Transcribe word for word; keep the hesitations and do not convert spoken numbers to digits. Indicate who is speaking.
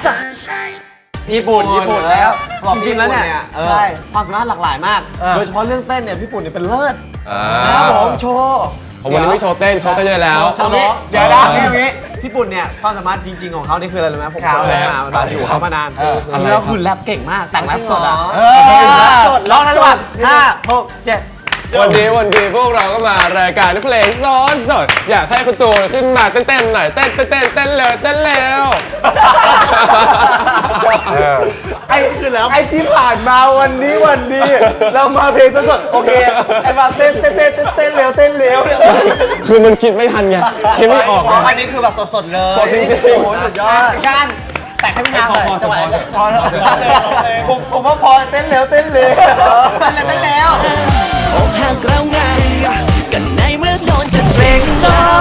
Speaker 1: ญี่ปุ่นญี่ปุ่นแล้วจริงๆแล้วเนี่ยใช่ความสามารถหลากหลายมากโดยเฉพาะเรื่องเต้นเนี่ยพี่ปุ่นเนี่ยเป็นเลิศนะครับผมโชว์
Speaker 2: ผมวันนี้ไม่โชว์เต้นโชว์เต้นเยอะแล้ว
Speaker 1: เดี๋ยวนะอย่างนี้พี่ปุ่นเนี่ยความสามารถจริงๆของเขานี่คืออะไรรู้ไหมผมเคยมามาอยู่เขามานานแล้วคือแรปเก่งมากแต่งแรปสดอ่ะสดร้องทั้งวันห้าหกเจ็ด
Speaker 2: วันนี้วันดีพวกเราก็มารายการเพลงซ้อนสดอยากให้คุณตูนขึ้นมาเต้นๆหน่อยเต้นเต้นเต้นเต้นเร็วเต้นเร็ว
Speaker 3: ไอ้คือแล้วไอ้ที่ผ่านมาวันนี้วันดีเรามาเพลงสดๆโอเคไอ้มาเต้นเต้นเต้นเต้นเร็วเต้นเร็ว
Speaker 2: คือมันคิดไม่ทันไงคิดไม่ออก
Speaker 1: อันนี้คือแบบสดๆเลย
Speaker 2: สดจริงๆ
Speaker 1: โอ้โหสุดยอดการแต่ให้พี่นางเลยจังหวะพอแล้ว
Speaker 3: ผมผมว่าพอเต้นเร็วเต้นเร็ว
Speaker 1: เต้นแล้วเต้นแล้ว
Speaker 4: อกหักแล้วไงกันในเมื่อโดนจะเพลงซ้อ